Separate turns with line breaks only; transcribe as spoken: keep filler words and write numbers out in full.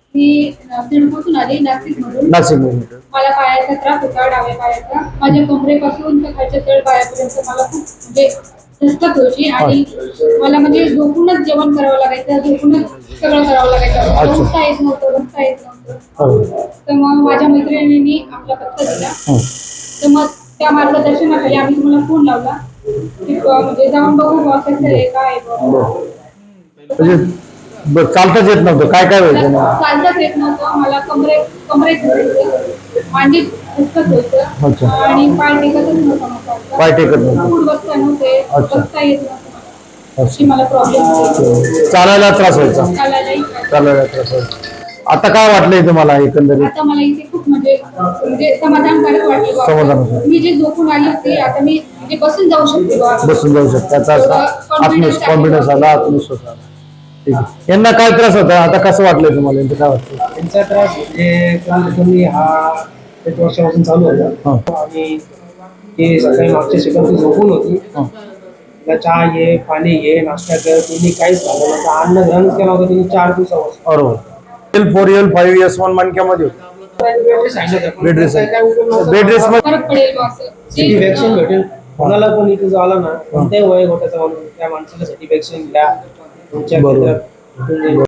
मी सिडकोतून आली नाशिकमधून.
नाशिकमधून.
मला पायाचा त्रास होता, डाव्या पायाचा. माझ्या कमरेपासून तर खालच्या तळ पायापर्यंत मला खूप म्हणजे धसकत होती आणि मला म्हणजे झोपूनच जेवण करावं लागायचं, झोपूनच सगळं करावं लागायचं. उठता येत नव्हतं, बसता येत नव्हतं. तर मग माझ्या मैत्रिणींनी आपला पत्ता दिला. तर मग त्या मार्गदर्शनाखाली आम्ही तुम्हाला फोन लावला की म्हणजे जाऊन बघू बुवा कसं आहे, काय आहे बुवा.
म्हणजे बरं, चालताच येत नव्हतं, काय काय व्हायचं ना?
चालताच येत नव्हतं मला, कमरे कमरेत दुखायचं, मांडीत दुखत होतं आणि पाय टेकतच नव्हता माझा.
पाय टेकत नव्हतं.
उठ बसता नव्हते, बसता येत नव्हतं. अशी मला प्रॉब्लेम होते.
चालायला त्रास व्हायचा.
चालायलाही
चालायला त्रास व्हायचा. आता काय वाटलंय तुम्हाला एकंदरीत?
आता मला इथे खूप म्हणजे म्हणजे समाधानकारक वाटले बुवा.
समाधान.
मी जे झोपून आली होती आता मी म्हणजे बसून जाऊ शकते बुवा.
बसून जाऊ शकते. त्याचा असा आत्मविश्वास कॉन्फिडन्स आला, आत्मविश्वास आला. ठीक आहे. यांना काय त्रास होता, आता कसं वाटलंय तुम्हाला? यांचं काय वाटतं?
त्यांचा त्रास म्हणजे कमी हा एक वर्षापासून चालू होता आणि ते सकाळी मागच्या सेकंद झोपून होती. तिला चहा घे, पाणी घे, नाश्ता कर, त्यांनी काहीच झालं नव्हतं. अन्न ग्रहण केला होता त्यांनी चार दिवसापासून.
बरोबर. L four L five S one मणक्यामध्ये होतं. बेड रेस बेड रेस
फरक पडेल बुवा असं.
सॅटिस्फॅक्शन भेटेल कोणाला पण इथे जो आला ना कोणत्याही वयोगटाचा माणूस त्या माणसाला सॅटिस्फॅक्शन घ्या तुमच्या